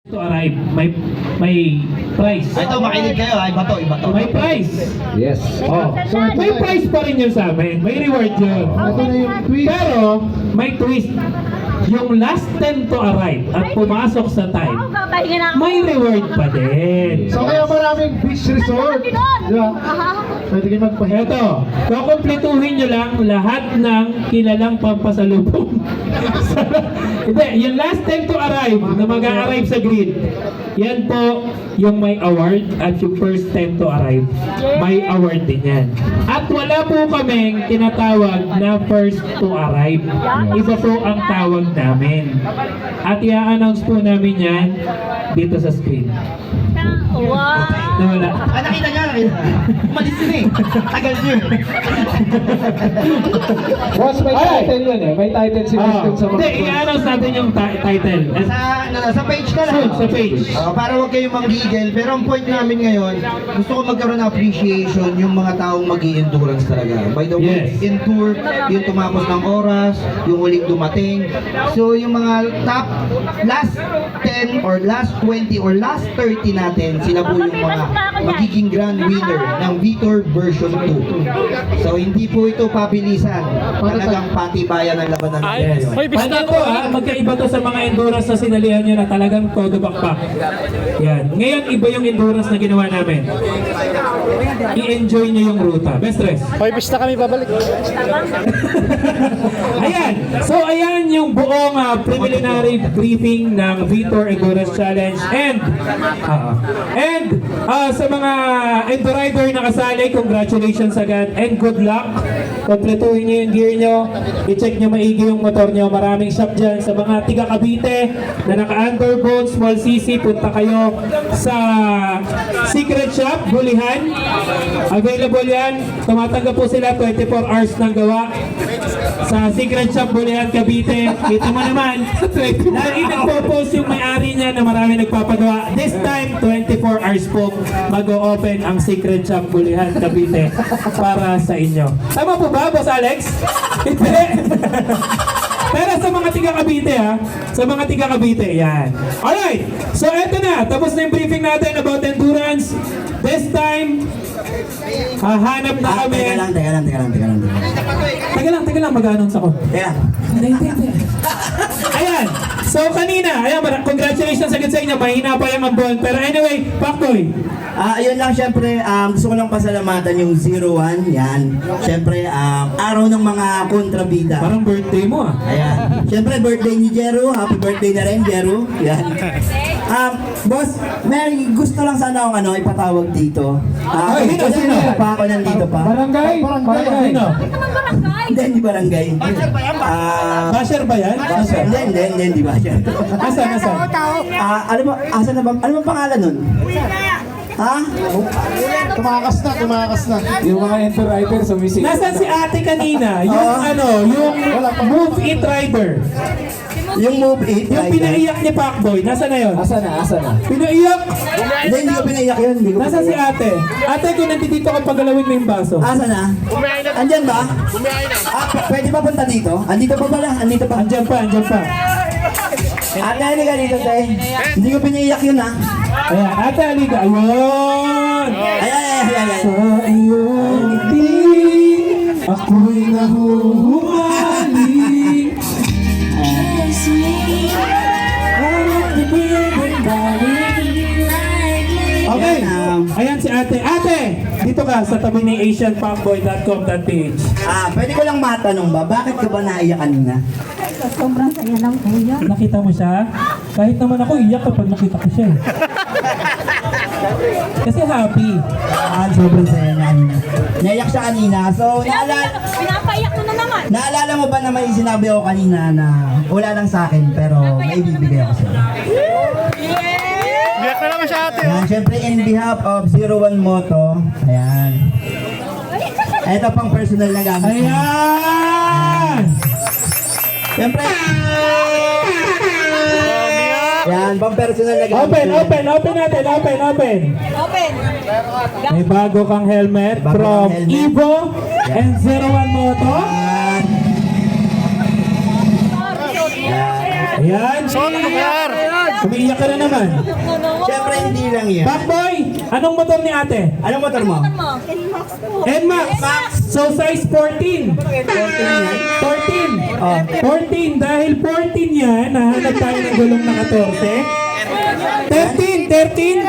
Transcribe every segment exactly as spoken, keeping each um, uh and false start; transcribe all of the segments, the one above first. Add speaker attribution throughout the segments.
Speaker 1: To arrive, may may price.
Speaker 2: Ay, ito, makinig kayo. Ay, iba to, iba to.
Speaker 1: May price.
Speaker 3: Yes.
Speaker 1: Oh, so may price pa rin yun sa amin. May reward yun.
Speaker 3: Ito na yung twist.
Speaker 1: Pero may twist. Yung last ten to arrive at pumasok sa time, may reward pa din.
Speaker 3: So kaya maraming beach resort. Yeah. Pwede kayo magpahinga.
Speaker 1: Ito, kukumpletuhin nyo lang lahat ng kilalang pampasalubong. Hindi, yung last ten to arrive na mag-a-arrive sa grid, yan po yung may award at yung first ten to arrive, may award din yan. At wala po kaming tinatawag na first to arrive. Iba po ang tawag namin. At i-announce po namin yan dito sa screen.
Speaker 4: Wow!
Speaker 1: Nawala.
Speaker 2: Ah, nakita niya, nakita. Umalis yun eh. Tagal niyo eh.
Speaker 3: Boss, may
Speaker 1: Ay!
Speaker 3: title yun eh. May title si
Speaker 1: Ah,
Speaker 3: Winston sa mga
Speaker 1: Hindi, i-announce natin yung ti- title.
Speaker 2: Sa, ano, sa page ka lang.
Speaker 1: Soon, sa page.
Speaker 2: Ah, para huwag kayong manggigil. Pero ang point namin ngayon, gusto ko magkaroon ng appreciation yung mga taong mag endurance talaga. By the way,
Speaker 1: Yes.
Speaker 2: endure, yung tumapos ng oras, yung huling dumating. So, yung mga top last ten or last twenty or last thirty natin, sila po yung mga magiging grand winner ng Vitor version two. So, hindi po ito pabilisan. Talagang patibayan ng labanan
Speaker 1: Yes.
Speaker 2: ngayon.
Speaker 1: Paano to ha? Magkaiba to sa mga endurance na sinalihan nyo na talagang todo bakbak. Yan. Ngayon, iba yung endurance na ginawa namin. I-enjoy nyo yung ruta. Best dress.
Speaker 3: Hoy, bis na kami babalik.
Speaker 1: Ayan. So, ayan yung buong uh, preliminary briefing ng Vitor Endurance Challenge. And, uh, and uh, sa mga endurider na kasali, congratulations agad and good luck. Kompletuhin nyo yung gear nyo. I-check nyo maigi yung motor nyo. Maraming shop dyan. Sa mga tiga Cavite na naka-underbone, small C C, punta kayo sa Secret Shop, Bulihan. Available yan. Tumatanggap po sila twenty-four hours ng gawa. Sa Secret Shop, Bulihan, Cavite. Kita mo naman, lagi nagpo-post yung may-ari niya na marami nagpapagawa. This time, twenty-four hours po mag-o-open ang Secret Shop, Bulihan, Cavite para sa inyo. Tama po ba, Boss Alex? Hindi. Pero sa mga tiga Cavite ha, sa mga tiga Cavite, yan. Alright, so eto na, tapos na yung briefing natin about endurance. This time, hahanap na
Speaker 2: Ah,
Speaker 1: kami.
Speaker 2: teka lang, teka lang, teka lang, teka lang. teka lang.
Speaker 1: Taga lang, taga lang, mag-announce ako.
Speaker 2: Teka.
Speaker 1: Hindi, hindi, hindi. Ayan, so kanina, ayan, mara- congratulations agad sa inyo, mahina pa yung ambon. Pero anyway, Pakboy,
Speaker 5: Ah, ayun lang, syempre, um, gusto ko lang pasalamatan yung zero one, yan. Syempre, um, araw ng mga kontrabida.
Speaker 1: parang birthday mo ah.
Speaker 5: Ayan. Syempre, birthday ni Jero. Happy birthday na rin, Jero. Yan. Um, boss, may gusto lang sana akong ano, ipatawag dito. Ah,
Speaker 1: Ay, sino,
Speaker 5: kasi
Speaker 1: sino?
Speaker 5: nandito pa ako nandito pa.
Speaker 3: Barangay. Barangay.
Speaker 1: Sino?
Speaker 5: Hindi, hindi barangay. Ah,
Speaker 1: Basher ba yan? Basher.
Speaker 5: hindi, hindi, hindi, hindi ba siya?
Speaker 1: Asan, asan?
Speaker 5: Ah, ano ba, asa na ba, ano ba pangalan nun? Ha?
Speaker 3: Tumakas na, tumakas na. Yung mga endurider sumisip.
Speaker 1: Nasaan si ate kanina? Yung
Speaker 5: Oo.
Speaker 1: ano, yung Move It Rider.
Speaker 5: Yung move it,
Speaker 1: Yung
Speaker 5: right?
Speaker 1: pinaiyak ni Pacboy, nasa na yun?
Speaker 3: Asa na, asa na.
Speaker 1: Pinaiyak!
Speaker 5: Hindi, hindi ko pinaiyak yun. Hindi ko
Speaker 1: Nasa si
Speaker 5: pinaiyak.
Speaker 1: ate? Ate, kung nandito ka pagalawin mo yung baso.
Speaker 5: Asa na? Andyan ba? Ah, p- pwede pa punta dito? Andito pa pala, andito pa.
Speaker 1: Andyan pa, andyan pa.
Speaker 5: Ate, hindi ka dito, te. Hindi ko pinaiyak yun, ha?
Speaker 1: Ayan, ate, halika. Ayun!
Speaker 5: Ay, ay, ay, ay, ay.
Speaker 1: Sa iyong ngiti, ako'y nahuhumalik. Okay, ayan si ate. Ate, dito ka sa tabi ni asian pacboy dot com dot p h.
Speaker 5: Ah, pwede ko lang matanong ba, bakit ka ba naiyak kanina?
Speaker 4: Sobrang saya lang kuya.
Speaker 1: Nakita mo siya? Kahit naman ako iyak kapag nakita ko siya. eh. Kasi happy.
Speaker 5: Ah, sobrang saya niya kanina. Naiyak siya kanina. So, naalala,
Speaker 4: Pinapaiyak mo na naman.
Speaker 5: naalala mo ba na may sinabi ako kanina na wala lang sa akin pero may bibigay ako sa'yo?
Speaker 3: Biyak na naman siya ate.
Speaker 5: Yan, syempre in behalf of zero one Moto, ayan. Ito pang personal na gamit.
Speaker 1: Ayan!
Speaker 5: Syempre, yan, pang personal na gamit.
Speaker 1: Open, open, open natin, open, open.
Speaker 4: Open.
Speaker 1: May bago kang helmet
Speaker 5: Bago
Speaker 1: from
Speaker 5: kang helmet.
Speaker 1: Evo and zero one Moto.
Speaker 5: Yan. Yan.
Speaker 1: Ayan.
Speaker 3: Suot ang lugar.
Speaker 1: Umiiyak ka na naman.
Speaker 2: Siyempre hindi lang yan.
Speaker 1: Backboy, anong motor ni ate?
Speaker 2: Anong motor mo?
Speaker 1: N-Max. So size fourteen. fourteen.
Speaker 2: Oh.
Speaker 1: fourteen. Dahil fourteen yan, nahanap tayo ng gulong na fourteen. thirteen. thirteen.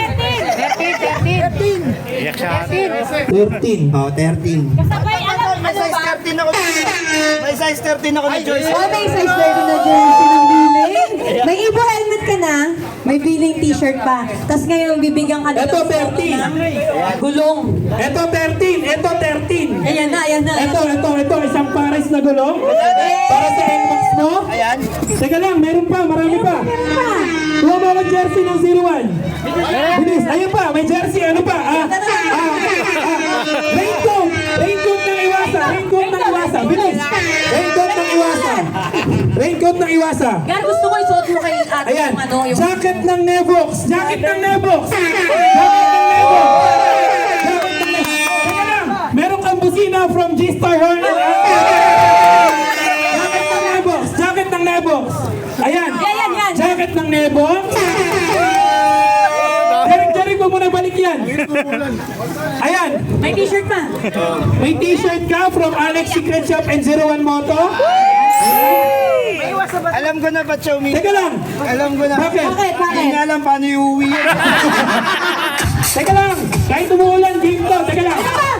Speaker 1: thirteen.
Speaker 2: Oh, thirteen.
Speaker 4: Sabay, alam, ano ba?
Speaker 2: thirteen ako. May size thirteen ako ni Joyce.
Speaker 6: Oh, may size thirty na jersey ng billing. May Ibo helmet ka na. May billing t-shirt pa. Tapos ngayon, bibigyan ka nila
Speaker 1: Ito,
Speaker 6: ng
Speaker 1: thirteen.
Speaker 6: gulong.
Speaker 1: Ito thirteen. Ito thirteen.
Speaker 6: Ayan na, ayan na.
Speaker 1: Ito, ito, ito. Isang pares na gulong. Para sa N-Max mo.
Speaker 2: Ayan.
Speaker 1: Teka lang, meron pa, marami pa. Kuha mo ang jersey ng zero one. Bilis, ayun pa, may jersey, ano pa? Ah, ah, ah, raincoat, raincoat ng iwasa, raincoat ng iwasa, bilis. Raincoat ng iwasa. Raincoat ng iwasa.
Speaker 6: Gar, gusto ko isuot mo kay ate
Speaker 1: Ayan,
Speaker 6: yung ano, yung...
Speaker 1: jacket ng Nevox, jacket ng Nevox. Jacket ng Nevox. Jacket ng Nevox. Teka lang, meron kang busina from G-Star Hornet. Jacket ng Nevox, jacket ng Nevox. Ayan,
Speaker 6: Yan, yan, yan.
Speaker 1: jacket ng Nevox. Derek-derek mo muna balik yan. Ayan,
Speaker 6: May t-shirt pa.
Speaker 1: may t-shirt ka from Alex Secret Shop and zero one Moto.
Speaker 2: Alam ko na ba, Chomi?
Speaker 1: Teka lang,
Speaker 2: Alam ko na.
Speaker 1: bakit?
Speaker 6: Bakit,
Speaker 2: Hindi
Speaker 6: bakit?
Speaker 2: nga alam paano iuwi yan.
Speaker 1: Teka lang, kahit umuulan, game to. Teka lang.